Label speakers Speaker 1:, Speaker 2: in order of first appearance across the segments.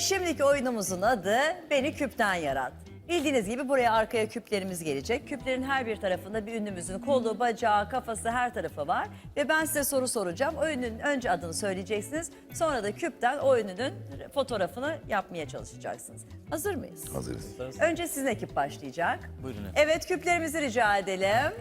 Speaker 1: şimdiki oyunumuzun adı Beni Küpten Yarat. Bildiğiniz gibi buraya arkaya küplerimiz gelecek. Küplerin her bir tarafında bir ünlümüzün kolu, bacağı, kafası her tarafı var. Ve ben size soru soracağım. O ünlünün önce adını söyleyeceksiniz. Sonra da küpten o ünlünün fotoğrafını yapmaya çalışacaksınız. Hazır mıyız?
Speaker 2: Hazırız.
Speaker 1: Önce sizin ekip başlayacak.
Speaker 3: Buyurun efendim.
Speaker 1: Evet, küplerimizi rica edelim.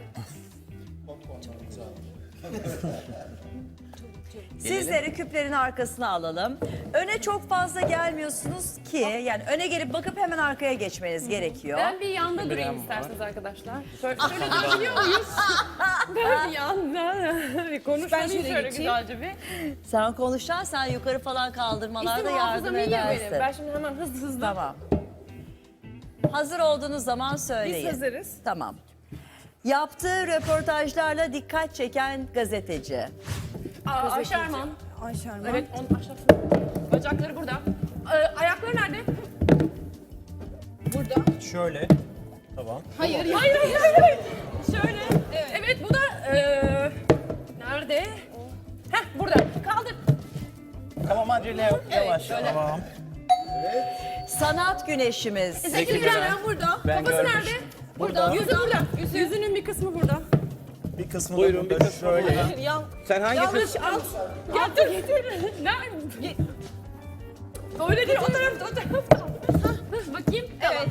Speaker 1: Sizleri küplerin arkasına alalım. Öne çok fazla gelmiyorsunuz ki, yani öne gelip bakıp hemen arkaya geçmeniz gerekiyor.
Speaker 4: Ben bir yanda durayım isterseniz arkadaşlar. Şöyle geçiyor muyuz? Ben bir yanda bir konuşmayı şöyle güzelce bir.
Speaker 1: Sen konuşan, sen yukarı falan kaldırmalarda
Speaker 4: İsim
Speaker 1: yardım
Speaker 4: hafızam iyi ya benim.
Speaker 1: edersin.
Speaker 4: Ben şimdi hemen hızlı.
Speaker 1: Tamam. Hazır olduğunuz zaman
Speaker 4: Biz
Speaker 1: söyleyin.
Speaker 4: hazırız.
Speaker 1: Tamam. Yaptığı röportajlarla dikkat çeken gazeteci.
Speaker 4: Ayşe Erman.
Speaker 5: Ayşe Erman.
Speaker 4: Evet, onun aşağısı. Bacakları burada. Ayakları nerede? Burada.
Speaker 3: Şöyle. Tamam.
Speaker 4: Hayır. Şöyle. Evet, bu da nerede? Heh, burada. Kaldır.
Speaker 3: Tamam acele yok. Yavaş. Tamam.
Speaker 1: Sanat güneşimiz.
Speaker 4: Zeki Müren burada.
Speaker 3: Ben
Speaker 4: Kafası
Speaker 3: görmüştüm.
Speaker 4: nerede?
Speaker 3: Burada.
Speaker 4: Yüzü burada. Yüzünün bir kısmı burada.
Speaker 3: Bir kısmı da burada. Şöyle. Sen hangi
Speaker 4: Yanlış al. Getir. Nerede? Öyle değil, o tarafta. Bakayım. Evet.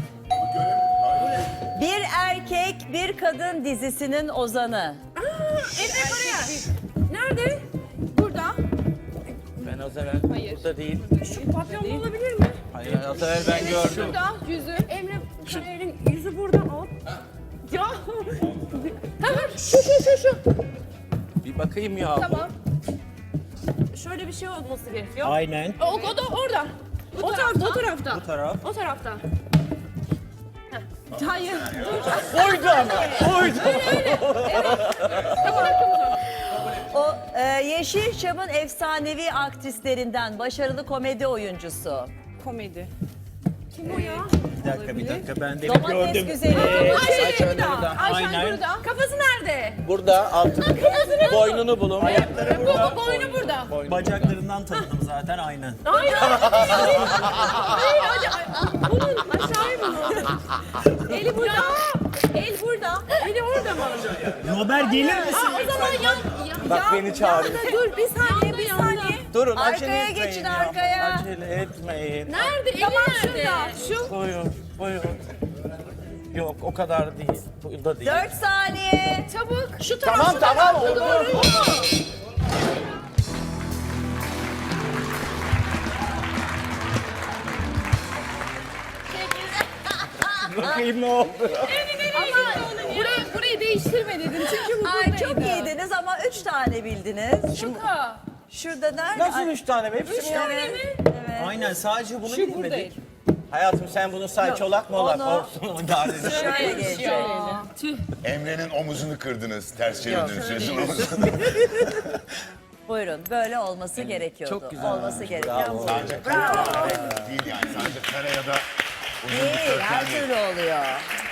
Speaker 1: Bir erkek, bir kadın dizisinin ozanı.
Speaker 4: Emre Karayel. Nerede? Burada.
Speaker 3: Ben az evvel burada değil.
Speaker 4: Şu papyonlu olabilir mi?
Speaker 3: Hayır az evvel ben gördüm.
Speaker 4: Şurada yüzü. Emre Karayel'in yüzü burada. Al. Ya. Tamam. Şu.
Speaker 3: Bir bakayım ya.
Speaker 4: Tamam. Şöyle bir şey olması gerekiyor.
Speaker 3: Aynen.
Speaker 4: O da orada. O tarafta.
Speaker 3: Bu taraf.
Speaker 4: O tarafta. Hayır.
Speaker 3: Oydu ama. Oydu.
Speaker 4: Tamam, arkamıza.
Speaker 1: O Yeşilçam'ın efsanevi aktrislerinden, başarılı komedi oyuncusu.
Speaker 5: Komedi.
Speaker 4: Kim o ya?
Speaker 3: Bir dakika ben de
Speaker 1: Domates
Speaker 3: gördüm.
Speaker 1: güzeli.
Speaker 4: Ayşe
Speaker 3: Ayşen
Speaker 4: burada.
Speaker 3: burada.
Speaker 4: Ayşen
Speaker 3: Aynen.
Speaker 4: burada. Kafası nerede?
Speaker 3: Burada altı. Boynunu bulun.
Speaker 4: Bu boynu burada.
Speaker 3: Bacaklarından tanıdım zaten aynen.
Speaker 4: Hayır. Bunun aşağıya bunun. Eli burada. El burada. Eli orada mı?
Speaker 3: Robert gelir misin?
Speaker 4: O zaman yan.
Speaker 3: Bak beni çağırıyor.
Speaker 4: Dur bir saniye.
Speaker 3: Durun
Speaker 1: Arkaya
Speaker 3: acele etmeyin
Speaker 1: geçin,
Speaker 3: ya.
Speaker 1: arkaya.
Speaker 3: Acele etmeyin.
Speaker 4: Nerede? Eli nerede? Şu.
Speaker 3: Buyurun. Yok o kadar değil. Bu da değil.
Speaker 1: 4 saniye.
Speaker 4: Çabuk. Şu taraf.
Speaker 3: Tamam oldu. Bakayım ne oldu?
Speaker 4: Ama burayı değiştirme dedim çünkü bu
Speaker 1: Ay,
Speaker 4: buradaydı.
Speaker 1: çok iyiydiniz ama 3 tane bildiniz.
Speaker 4: Şaka.
Speaker 1: Şurada nerede?
Speaker 3: Nasıl 3 tane? Hepsi mi?
Speaker 1: Evet.
Speaker 3: Aynen sadece bunu
Speaker 4: Şu
Speaker 3: bilmedik.
Speaker 4: buradaydı.
Speaker 3: Hayatım sen bunu say çolak molak
Speaker 1: onu-
Speaker 3: olsun. O da arada.
Speaker 1: Şöyle gelecek.
Speaker 2: Emre'nin omuzunu kırdınız. Ters çevirdiniz sözün omuzunu.
Speaker 1: Buyurun, böyle olması gerekiyordu.
Speaker 3: Çok güzel
Speaker 1: Olması
Speaker 3: olmuş,
Speaker 1: gereken
Speaker 3: bravo.
Speaker 1: bu.
Speaker 2: Sadece kare değil yani. Sadece kare ya da uzun bir
Speaker 1: Değil, her
Speaker 2: köken değil.
Speaker 1: türlü oluyor.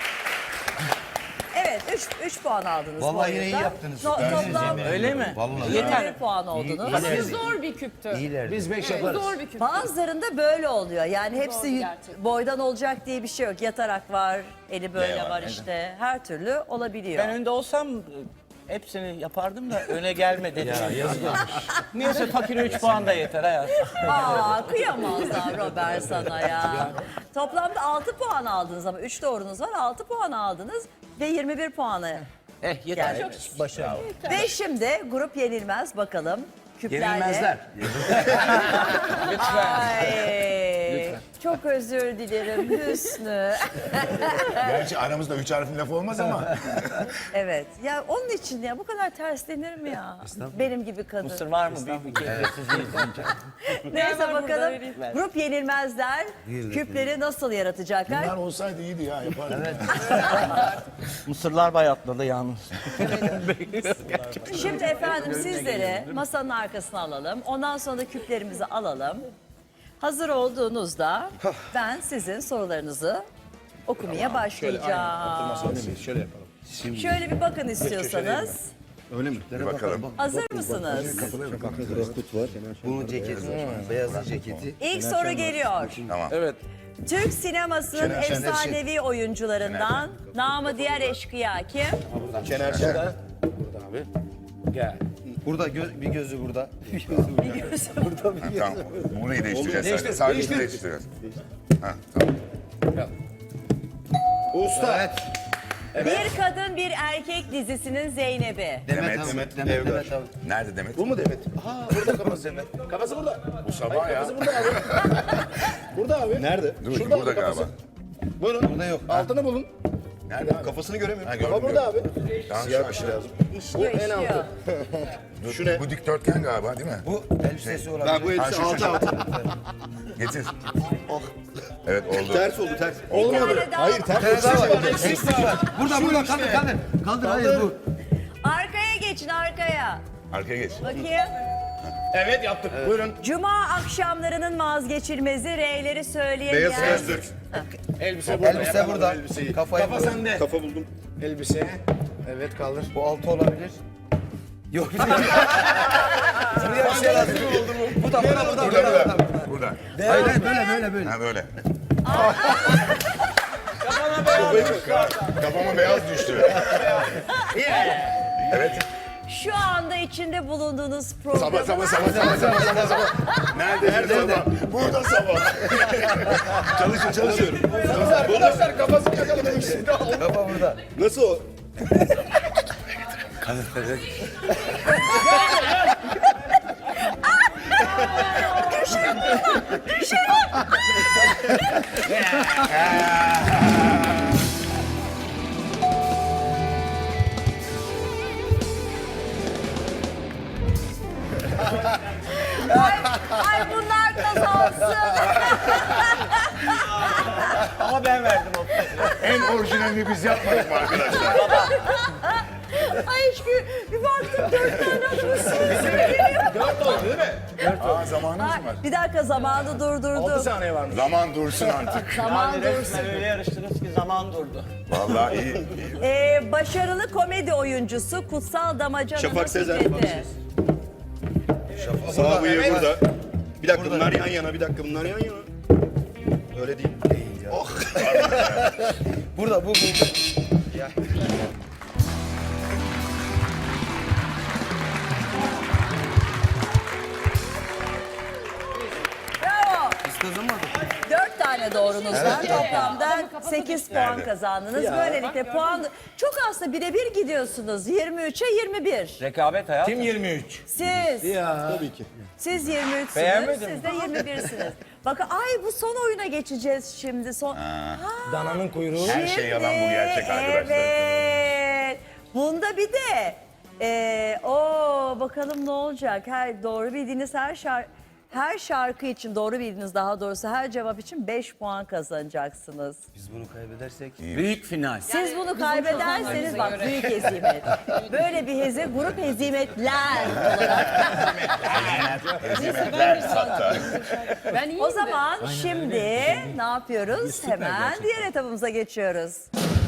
Speaker 1: Evet, 3 puan aldınız.
Speaker 6: Vallahi
Speaker 1: bu
Speaker 6: yine iyi
Speaker 1: oyunda.
Speaker 6: yaptınız.
Speaker 1: Toplam
Speaker 3: Öyle mi?
Speaker 6: Vallahi.
Speaker 1: 21 puan oldunuz.
Speaker 4: Aslında zor bir küptü.
Speaker 6: İyiler.
Speaker 5: Biz 5 yaparız.
Speaker 4: Zor bir küptü.
Speaker 1: Bazılarında böyle oluyor. Yani hepsi
Speaker 4: Doğru, gerçekten.
Speaker 1: boydan olacak diye bir şey yok. Yatarak var, eli böyle
Speaker 2: Ne var,
Speaker 1: var
Speaker 2: evet.
Speaker 1: işte. Her türlü olabiliyor.
Speaker 3: Ben önde olsam hepsini yapardım da öne gelme dedim. Neyse fakire 3 puan da yeter hayat.
Speaker 1: Aa, kıyamazlar Robert sana ya. Toplamda 6 puan aldınız ama 3 doğrunuz var. 6 puan aldınız ve 21 puanı.
Speaker 3: Yeter.
Speaker 1: Yani.
Speaker 3: Başarılı.
Speaker 1: Ve şimdi grup yenilmez bakalım. Küplerle.
Speaker 6: Yenilmezler.
Speaker 1: Ay, çok özür dilerim Hüsnü.
Speaker 2: Gerçi aramızda 3 harfin lafı olmaz ama.
Speaker 1: Evet. Ya onun için ya bu kadar terslenir mi ya? Benim gibi kadın.
Speaker 3: Mısır var mı? Büyük bir keyifsizliği.
Speaker 1: Neyse bakalım. Grup yenilmezler küpleri nasıl yaratacaklar?
Speaker 2: Bunlar olsaydı iyiydi ya yapardım. Evet.
Speaker 3: Mısırlar bayatladı yalnız.
Speaker 1: Şimdi efendim sizleri masanın arkasına alalım. Ondan sonra da küplerimizi alalım. Hazır olduğunuzda ben sizin sorularınızı okumaya başlayacağım.
Speaker 6: Şöyle yapalım.
Speaker 1: Şöyle bir bakın istiyorsanız.
Speaker 5: Öyle mi?
Speaker 2: Bir bakalım.
Speaker 1: Hazır mısınız?
Speaker 5: Korkut var. Bunun ceketi, beyazın ceketi.
Speaker 1: İlk soru geliyor.
Speaker 2: Tamam.
Speaker 3: Evet.
Speaker 1: Türk sinemasının
Speaker 2: Şener Şen.
Speaker 1: efsanevi oyuncularından namı diğer eşkıya kim?
Speaker 5: Şener Şen.
Speaker 3: Burada abi. Gel.
Speaker 5: Burada bir gözü burada.
Speaker 2: Tamam. Burayı değiştireceğiz sadece. Sadece değiştireceğiz. Ha, tamam.
Speaker 5: Usta. Evet.
Speaker 1: Bir kadın bir erkek dizisinin Zeynep'i.
Speaker 2: Demet.
Speaker 5: Evgar.
Speaker 2: Nerede Demet?
Speaker 5: Bu mu Demet? Ha burada kafası Demet. Kafası burada.
Speaker 2: Bu sabah ya.
Speaker 5: Burada abi. Burada abi. Nerede?
Speaker 2: Dur,
Speaker 5: Şurada
Speaker 2: burada
Speaker 5: abi kafası.
Speaker 2: galiba.
Speaker 5: Buyurun. Burada yok. Altına bulun.
Speaker 2: Nerede abi?
Speaker 5: Kafasını göremiyorum.
Speaker 2: Ha, gördüm,
Speaker 5: Kafa burada abi.
Speaker 2: Tamam,
Speaker 5: Siyah
Speaker 2: şu
Speaker 5: bir şey
Speaker 2: aşağı.
Speaker 5: lazım.
Speaker 1: İşliyor,
Speaker 5: en
Speaker 1: işliyor.
Speaker 5: altı.
Speaker 2: Dur,
Speaker 5: Şu ne?
Speaker 2: Bu dikdörtgen galiba değil mi?
Speaker 5: Bu elbisesi olabilir. Ben bu elbise
Speaker 2: Ha, şu.
Speaker 5: altı.
Speaker 2: Getir. Evet oldu.
Speaker 5: Ters oldu ters.
Speaker 1: Bir tane daha.
Speaker 5: Hayır ters. Eksik var.
Speaker 6: Burada kaldır. Kaldır hayır bu.
Speaker 1: Arkaya geçin arkaya.
Speaker 2: Arkaya geç.
Speaker 1: Bakayım.
Speaker 5: Evet yaptık. Buyurun.
Speaker 1: Cuma akşamlarının vazgeçilmezi R'leri söyleyemeyen.
Speaker 5: Beyaz gözlük.
Speaker 3: Elbise burada.
Speaker 5: Elbise burada. Kafayı
Speaker 3: Kafa sende.
Speaker 5: Kafa buldum.
Speaker 3: Elbise. Evet kaldır.
Speaker 5: Bu altı olabilir. Yok bir de. Buraya bir şey lazım. Bu da burada.
Speaker 2: Burada.
Speaker 6: Hayır böyle.
Speaker 2: Ha böyle. Kafama beyaz düştü. Evet.
Speaker 1: Şu anda içinde bulunduğunuz programın
Speaker 2: Sabah. Nerede sabah? Burada sabah. Çalışıyorum.
Speaker 5: Arkadaşlar kafasını yakaladım. Kafa burada. Nasıl o?
Speaker 1: Ay bunlar kazansın.
Speaker 3: Ama ben verdim o.
Speaker 2: En orijinalini biz yapmadık mı arkadaşlar?
Speaker 1: Ay bir baktım 4 tane atmışsın.
Speaker 3: 4 oldu değil mi?
Speaker 2: Aa zamanımız mı var?
Speaker 1: Bir dakika zamanı
Speaker 3: 6
Speaker 1: durdurdum.
Speaker 3: saniye varmış.
Speaker 2: Zaman dursun artık.
Speaker 1: Zaman
Speaker 3: Yani
Speaker 1: dursun.
Speaker 3: resmen öyle yarıştınız ki zaman durdu.
Speaker 2: Vallahi iyi.
Speaker 1: Başarılı komedi oyuncusu Kutsal Damacana'nın
Speaker 5: Şafak Sezer.
Speaker 1: Fikret'i.
Speaker 5: Sağ bıyığı burada. Bir dakika bunlar yan yana. Bir dakika bunlar yan yana. Öyle değil. Değil ya. Oh. Burada bu. Ya.
Speaker 1: Bravo. 4 tane doğrunuz var. Toplamda 8 puan
Speaker 2: Nerede?
Speaker 1: kazandınız. Böylelikle puan çok aslında birebir gidiyorsunuz. 23'e 21.
Speaker 3: Rekabet hayat.
Speaker 5: Kim 23?
Speaker 1: Siz.
Speaker 5: Tabii ki.
Speaker 1: Siz 23'sünüz.
Speaker 3: Beğenmedin
Speaker 1: Siz de 21'siniz. Bakın ay bu son oyuna geçeceğiz şimdi.
Speaker 3: Dananın kuyruğu.
Speaker 2: Her şey yalan bu gerçek arkadaşlar.
Speaker 1: Evet. Bunda bir de bakalım ne olacak. Doğru bildiğiniz her şarkı için doğru bildiğiniz daha doğrusu her cevap için 5 puan kazanacaksınız.
Speaker 5: Biz bunu kaybedersek.
Speaker 3: Büyük final.
Speaker 1: Siz bunu kaybederseniz bak büyük hezimet. Böyle bir grup hezimetler olarak.
Speaker 2: Hizmetler sattı.
Speaker 4: Ben iyiyim
Speaker 1: O
Speaker 4: de.
Speaker 1: zaman şimdi ne yapıyoruz? Hemen diğer etapımıza geçiyoruz.